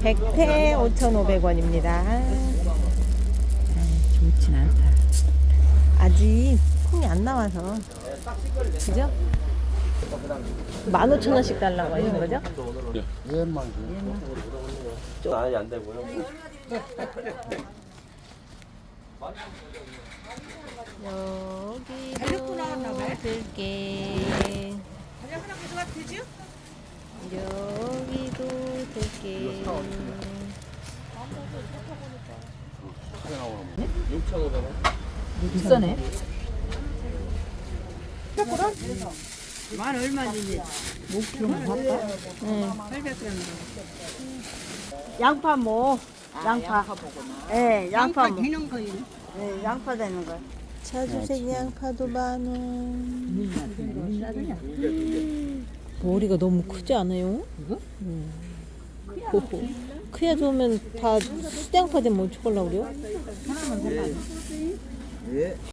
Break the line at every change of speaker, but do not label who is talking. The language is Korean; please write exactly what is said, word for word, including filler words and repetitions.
백태 오천오백 원입니다.
좋진 않다.
아직 콩이 안 나와서. 그죠? 만 오천 원씩 달라고 하시는 거죠?
얘만
아니 안 되고요.
여기도 들깨. 여기도 들깨.
육천오백 원.
비싸네.
만 얼마인지
목표만 봤다.
응.
팔백 그램.
양파 뭐 양파. 예, 양파
양파
뭐.
되는 거예요.
예, 양파 되는 거.
자주색 양파도 만 원. 머리가 너무 크지 않아요?
이거?
음. 호호. 크야 좋으면 다 수양파 되면 어떡하려고 그래요?
하나만 달라.